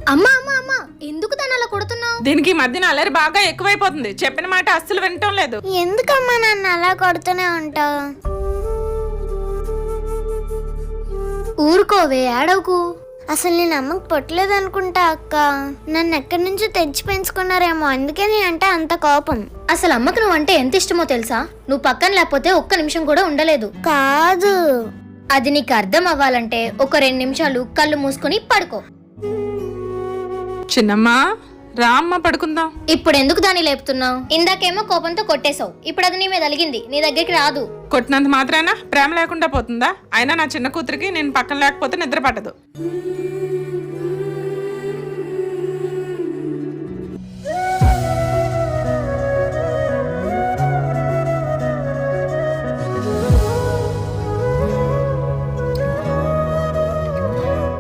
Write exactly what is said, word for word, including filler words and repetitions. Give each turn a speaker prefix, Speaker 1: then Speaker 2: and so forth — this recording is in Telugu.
Speaker 1: అమ్మా అమ్మా అమ్మా ఎందుకు తను అలా కొడుతున్నావు?
Speaker 2: దీనికి ఈ మధ్యన అల్లరి బాగా ఎక్కువైపోతుంది. చెప్పిన మాట అస్సలు వినటం లేదు.
Speaker 3: ఎందుకమ్మా నన్ను అలా కొడుతూనే ఉంటావు?
Speaker 1: ఊరుకోవే, ఏడవకు.
Speaker 3: అసలు నేను అమ్మకు పుట్టలేదు అనుకుంటా అక్క. నన్ను ఎక్కడి నుంచో తెచ్చి పెంచుకున్నారేమో, అందుకే నీ అంటే అంత కోపం.
Speaker 1: అసలు అమ్మకు నువ్వు అంటే ఎంత ఇష్టమో తెలుసా? నువ్వు పక్కన లేకపోతే ఒక్క నిమిషం కూడా ఉండలేదు.
Speaker 3: కాదు,
Speaker 1: అది నీకు అర్థం అవ్వాలంటే ఒక రెండు నిమిషాలు కళ్ళు మూసుకుని పడుకో.
Speaker 2: చిన్నమ్మా రా అమ్మ పడుకుందాం.
Speaker 1: ఇప్పుడు ఎందుకు దాన్ని లేపుతున్నావు? ఇందాకేమో కోపంతో కొట్టేశావు, ఇప్పుడు అది నీ మీద అలిగింది, నీ దగ్గరికి రాదు.
Speaker 2: కొట్టినంత మాత్రాన ప్రేమ లేకుండా పోతుందా? అయినా నా చిన్న కూతురికి నేను పక్కన లేకపోతే నిద్ర పట్టదు.